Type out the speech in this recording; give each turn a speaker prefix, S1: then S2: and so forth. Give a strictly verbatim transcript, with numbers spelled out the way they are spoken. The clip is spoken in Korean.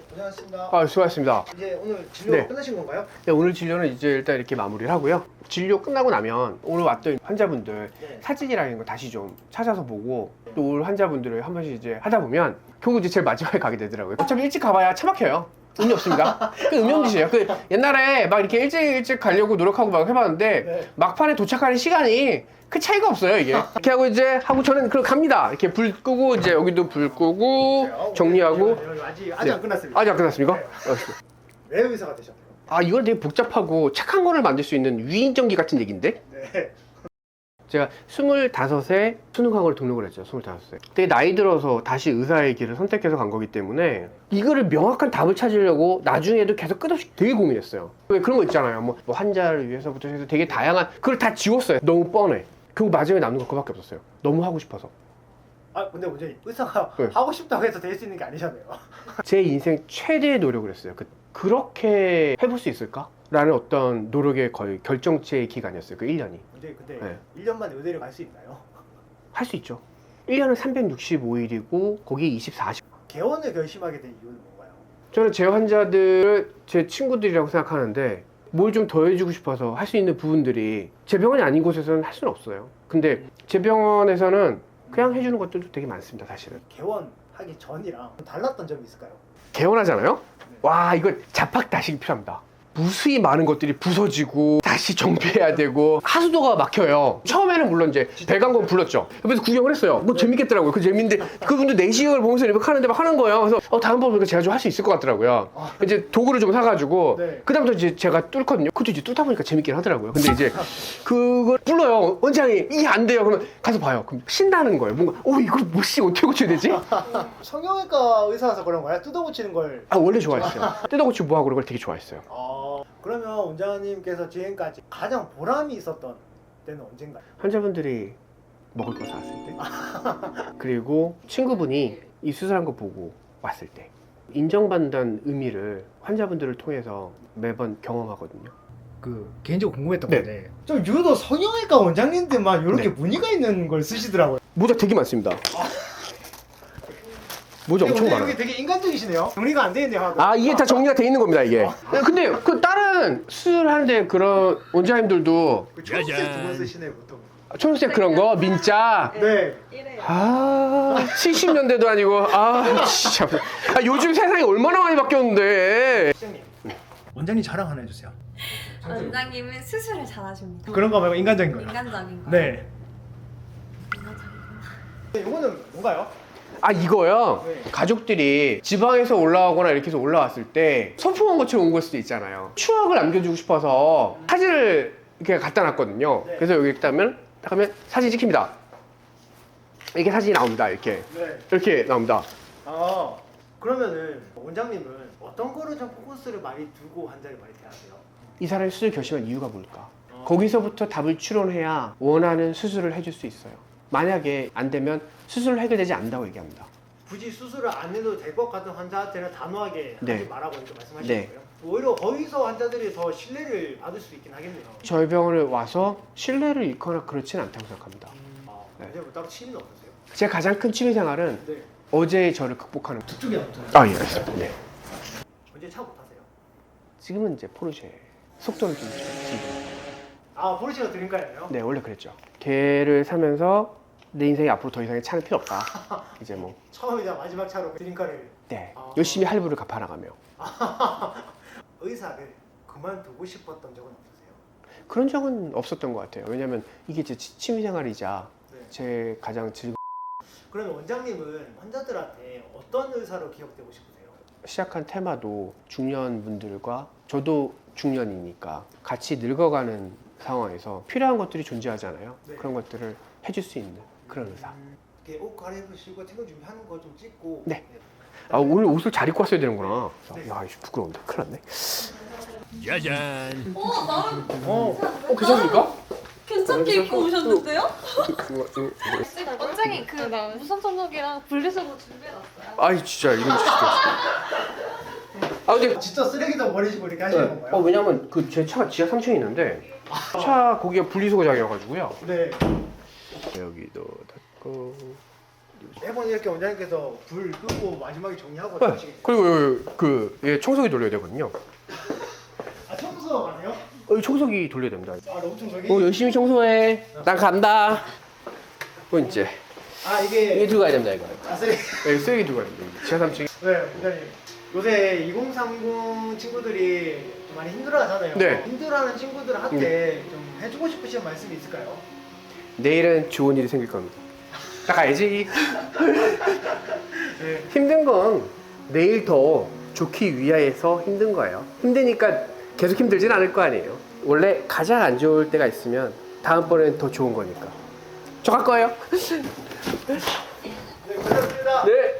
S1: 고생하셨습니다.
S2: 아, 수고하셨습니다.
S1: 이제 오늘 진료
S2: 네.
S1: 끝나신 건가요?
S2: 네, 오늘 진료는 이제 일단 이렇게 마무리를 하고요. 진료 끝나고 나면 오늘 왔던 환자분들
S1: 네.
S2: 사진이라는 거 다시 좀 찾아서 보고 또 올 환자분들을 한 번씩 이제 하다 보면 결국 이제 제일 마지막에 가게 되더라고요. 어차피 일찍 가봐야 차 막혀요. 의미 없습니다. 그 의미 없는 짓이에요. 그 옛날에 막 이렇게 일찍 일찍 가려고 노력하고 막 해봤는데
S1: 네.
S2: 막판에 도착하는 시간이 그 차이가 없어요, 이게. 이렇게 하고 이제 하고 저는 그럼 갑니다. 이렇게 불 끄고 이제 여기도 불 끄고 정리하고.
S1: 여기 아직 아직
S2: 네.
S1: 안 끝났습니다.
S2: 아직 안 끝났습니까?
S1: 네.
S2: 어,
S1: 왜 의사가 되셨나요?
S2: 아, 이건 되게 복잡하고 착한 거를 만들 수 있는 위인전기 같은 얘기인데?
S1: 네.
S2: 제가 스물다섯에 수능학원을 등록을 했죠. 스물다섯에. 되게 나이 들어서 다시 의사의 길을 선택해서 간 거기 때문에 이거를 명확한 답을 찾으려고 나중에도 계속 끝없이 되게 고민했어요. 왜 그런 거 있잖아요. 뭐, 뭐 환자를 위해서부터 해서 되게 다양한 그걸 다 지웠어요. 너무 뻔해. 결국 마지막에 남는 거 그거밖에 없었어요. 너무 하고 싶어서.
S1: 아 근데 원장님 의사가
S2: 네.
S1: 하고 싶다고 해서 될 수 있는 게 아니잖아요.
S2: 제 인생 최대의 노력을 했어요. 그, 그렇게 해볼 수 있을까? 라는 어떤 노력의 거의 결정체의 기간이었어요. 그 일 년이.
S1: 원장님 근데
S2: 네.
S1: 일 년 만에 의대를 갈 수 있나요?
S2: 할 수 있죠. 일 년은 삼백육십오 일이고 거기에 이십사 시.
S1: 개원을 결심하게 된 이유는 뭔가요?
S2: 저는 제 환자들을 제 친구들이라고 생각하는데 뭘 좀 더 해주고 싶어서 할 수 있는 부분들이 제 병원이 아닌 곳에서는 할 수는 없어요. 근데 제 병원에서는 그냥 해주는 것들도 되게 많습니다, 사실은.
S1: 개원하기 전이랑 달랐던 점이 있을까요?
S2: 개원하잖아요? 와, 이거 자팍다식이 필요합니다. 무수히 많은 것들이 부서지고 다시 정비해야 되고 하수도가 막혀요. 처음에는 물론 이제 배관공 불렀죠. 옆에서 구경을 했어요. 뭐 재밌겠더라고요. 그 재밌는데 그분들 내시경을 보면서 이렇게 하는데 막 하는 거예요. 그래서 어, 다음번에 제가 좀 할 수 있을 것 같더라고요.
S1: 아.
S2: 이제 도구를 좀 사가지고
S1: 네.
S2: 그다음부터 이제 제가 뚫거든요. 그것도 이제 뚫다 보니까 재밌긴 하더라고요. 근데 이제 그걸 불러요. 원장이 이게 안 돼요. 그러면 가서 봐요. 그럼 신나는 거예요. 뭔가 어 이걸 뭐씨 어떻게 고쳐야 되지?
S1: 성형외과 의사라서 그런 거야? 뜯어 고치는 걸.
S2: 아 원래 좋아했어요. 뜯어고치고 뭐하고 그런 걸 되게 좋아했어요.
S1: 아 그러면 원장님께서 지금까지 가장 보람이 있었던 때는 언젠가요?
S2: 환자분들이 먹을 거 사왔을 때 그리고 친구분이 이 수술한 거 보고 왔을 때 인정받는다는 의미를 환자분들을 통해서 매번 경험하거든요.
S1: 그 개인적으로 궁금했던
S2: 네.
S1: 건데 좀 유독 성형외과 원장님들만 이렇게
S2: 네.
S1: 무늬가 있는 걸 쓰시더라고요.
S2: 모자 되게 많습니다. 모자 엄청
S1: 근데
S2: 많아요.
S1: 여기 되게 인간적이시네요. 정리가 안 돼 있네요. 하고.
S2: 아 이게 다 정리가 돼 있는 겁니다 이게. 근데 그 다른 수술하는데 그런 원장님들도
S1: 그 초록색 두번 쓰시네요 보통.
S2: 초록색 그런 거 민자.
S1: 네.
S2: 아 칠십 년대도 아니고 아 진짜 아, 요즘 세상이 얼마나 많이 바뀌었는데.
S1: 원장님. 원장님 자랑 하나 해주세요.
S3: 원장님은 수술을 잘하십니다.
S1: 그런 거 말고 인간적인 거요.
S3: 인간적인 거.
S1: 네. 이거는 뭔가요?
S2: 아 이거요?
S1: 네.
S2: 가족들이 지방에서 올라오거나 이렇게 해서 올라왔을 때 소풍 온 것처럼 온 걸 수도 있잖아요. 추억을 남겨주고 싶어서 사진을 이렇게 갖다 놨거든요.
S1: 네.
S2: 그래서 여기 있다면 딱 하면 사진 찍힙니다. 이렇게 사진이 나옵니다. 이렇게
S1: 네.
S2: 이렇게 나옵니다.
S1: 아 그러면은 원장님은 어떤 거를 좀 포커스를 많이 두고 환자를 많이 대하세요?
S2: 이 사람이 수술 결심한 이유가 뭘까?
S1: 어.
S2: 거기서부터 답을 추론해야 원하는 수술을 해줄 수 있어요. 만약에 안 되면 수술로 해결되지 않는다고 얘기합니다.
S1: 굳이 수술을 안 해도 될 것 같은 환자한테는 단호하게
S2: 네.
S1: 하지 말라고 이렇게 말씀하시는
S2: 네.
S1: 거예요? 오히려 거기서 환자들이 더 신뢰를 받을 수 있긴 하겠네요.
S2: 저희 병원에 와서 신뢰를 잃거나 그렇지는 않다고 생각합니다.
S1: 아,
S2: 네.
S1: 이제 뭐 따로 취미는 없으세요?
S2: 제 가장 큰 취미 생활은
S1: 네.
S2: 어제의 저를 극복하는.
S1: 저쪽에 없잖아요.
S2: 아 예, 알겠습니다. 네.
S1: 언제 차 못 타세요?
S2: 지금은 이제 포르쉐 속도를 좀 줄이고.
S1: 아 포르쉐가 드림카예요?
S2: 네 원래 그랬죠. 걔를 사면서 내 인생에 앞으로 더 이상의 차는 필요 없다. 이제 뭐
S1: 처음이자 마지막 차로 드림카를.
S2: 네.
S1: 아.
S2: 열심히 할부를 갚아나가며
S1: 의사를 그만두고 싶었던 적은 없으세요?
S2: 그런 적은 없었던 것 같아요. 왜냐면 이게 제 치- 취미생활이자
S1: 네.
S2: 제 가장 즐거.
S1: 그러면 원장님은 환자들한테 어떤 의사로 기억되고 싶으세요?
S2: 시작한 테마도 중년분들과 저도 중년이니까 같이 늙어가는 상황에서 필요한 것들이 존재하잖아요.
S1: 네.
S2: 그런 것들을 해줄 수 있는 그런 의사.
S1: 음, 이렇게 옷 갈아입으시고 퇴근 준비하는 거 좀 찍고.
S2: 네. 아 오늘 옷을 잘 입고 왔어야 되는구나.
S1: 네.
S2: 야 이거 부끄러운데 큰일 났네.
S4: 짜잔.
S3: 어, 나름
S1: 어.
S2: 어 괜찮습니까?
S3: 괜찮게 입고 오셨는데요?
S2: 이거, 이거, 이거.
S3: 원장님 그 무선 청소기랑 분리수거 준비해놨어요.
S2: 아이 진짜 이건 진짜. 아 근데
S1: 진짜 쓰레기도 버리시고 이렇게 하시는
S2: 네.
S1: 건가요?
S2: 어 왜냐면 그 제 차가 지하 삼 층에 있는데 차 거기가 분리수거장이어가지고요.
S1: 네.
S2: 여기도 닫고
S1: 매번 이렇게 원장님께서 불 끄고 마지막에 정리하고
S2: 네.
S1: 하시겠죠?
S2: 그리고 그 예, 청소기 돌려야 되거든요.
S1: 아 청소 안 해요?
S2: 어, 이 청소기 돌려야 됩니다.
S1: 아 로봇 청소기?
S2: 어, 열심히 청소해. 난 간다. 어, 이제
S1: 아
S2: 이게
S1: 이게
S2: 들고 가야 됩니다, 이거.
S1: 아 쓰레기.
S2: 네, 쓰레기 들고 가야 됩니다. 지하 삼 층.
S1: 네 원장님 요새 이공삼공 친구들이 좀 많이 힘들어하잖아요.
S2: 네.
S1: 힘들어하는 친구들한테 좀 해주고 싶으신 말씀이 있을까요?
S2: 내일은 좋은 일이 생길 겁니다. 딱 알지?
S1: 네.
S2: 힘든 건 내일 더 좋기 위하여서 힘든 거예요. 힘드니까 계속 힘들진 않을 거 아니에요. 원래 가장 안 좋을 때가 있으면 다음번엔 더 좋은 거니까. 저 갈 거예요.
S1: 네 고생하셨습니다.
S2: 네.